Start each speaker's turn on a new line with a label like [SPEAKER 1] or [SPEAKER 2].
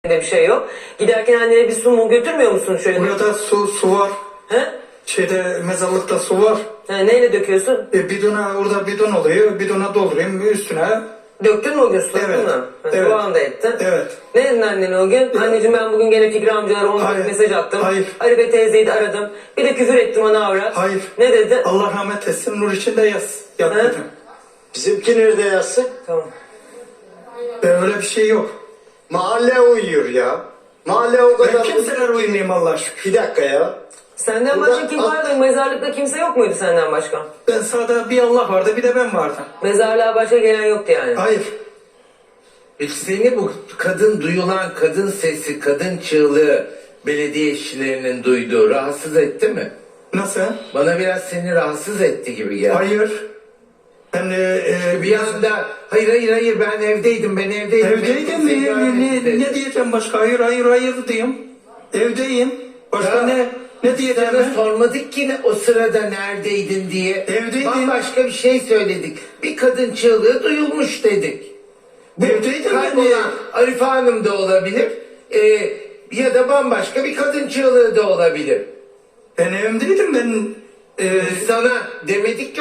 [SPEAKER 1] bir şey yok. Giderken annene bir su mu götürmüyor musun şöyle?
[SPEAKER 2] Burada su var.
[SPEAKER 1] He?
[SPEAKER 2] Mezarlıkta su var.
[SPEAKER 1] Neyle döküyorsun?
[SPEAKER 2] Bidona, orada bidon oluyor. Bidona doldurayım üstüne.
[SPEAKER 1] Döktün mü o gün suladın
[SPEAKER 2] Evet,
[SPEAKER 1] mı?
[SPEAKER 2] evet.
[SPEAKER 1] Duan da ettin.
[SPEAKER 2] Evet.
[SPEAKER 1] Ne dedin annene o gün? Anneciğim ben bugün gene Fikri amcalara 10
[SPEAKER 2] Hayır.
[SPEAKER 1] mesaj attım.
[SPEAKER 2] Hayır.
[SPEAKER 1] Arife teyzeyi de aradım. Bir de küfür ettim ona avrat.
[SPEAKER 2] Hayır.
[SPEAKER 1] Ne dedi?
[SPEAKER 2] Allah rahmet etsin, nur içinde yat
[SPEAKER 1] He?
[SPEAKER 2] dedim.
[SPEAKER 3] Bizimki nerede yatsın?
[SPEAKER 1] Tamam.
[SPEAKER 2] Öyle bir şey yok.
[SPEAKER 3] Mahalle uyuyor ya. Mahalle o
[SPEAKER 2] Ben
[SPEAKER 3] kadar...
[SPEAKER 2] kimseler uyumayayım Allah'a şükür.
[SPEAKER 3] Bir dakika ya.
[SPEAKER 1] Senden
[SPEAKER 3] Burada-
[SPEAKER 1] başka kim vardı? Mezarlıkta kimse yok muydu senden başka?
[SPEAKER 2] Ben sağda bir Allah vardı, bir de ben vardım.
[SPEAKER 1] Mezarlığa başka gelen yoktu yani.
[SPEAKER 2] Hayır.
[SPEAKER 4] Peki seni bu duyulan kadın sesi, kadın çığlığı belediye işçilerinin duyduğu rahatsız etti mi?
[SPEAKER 2] Nasıl?
[SPEAKER 4] Bana biraz seni rahatsız etti gibi geldi.
[SPEAKER 2] Hayır. Ben
[SPEAKER 4] Bir anda hayır ben evdeydim.
[SPEAKER 2] evdeydim.
[SPEAKER 4] Kimseyi görmedim dedi.
[SPEAKER 2] Ne diyeceğim başka? Hayır diyeyim. Evdeyim. Başka
[SPEAKER 4] Ya,
[SPEAKER 2] ne diyeceğim
[SPEAKER 4] Sana
[SPEAKER 2] ben?
[SPEAKER 4] sormadık ki o sırada neredeydin diye.
[SPEAKER 2] Evdeydim.
[SPEAKER 4] Bambaşka bir şey söyledik. Bir kadın çığlığı duyulmuş dedik.
[SPEAKER 2] Evdeydim ben.
[SPEAKER 4] Kaybolan Arife Hanım da olabilir. Ya da bambaşka bir kadın çığlığı da olabilir.
[SPEAKER 2] Ben evimdeydim ben.
[SPEAKER 4] Sana demedik ki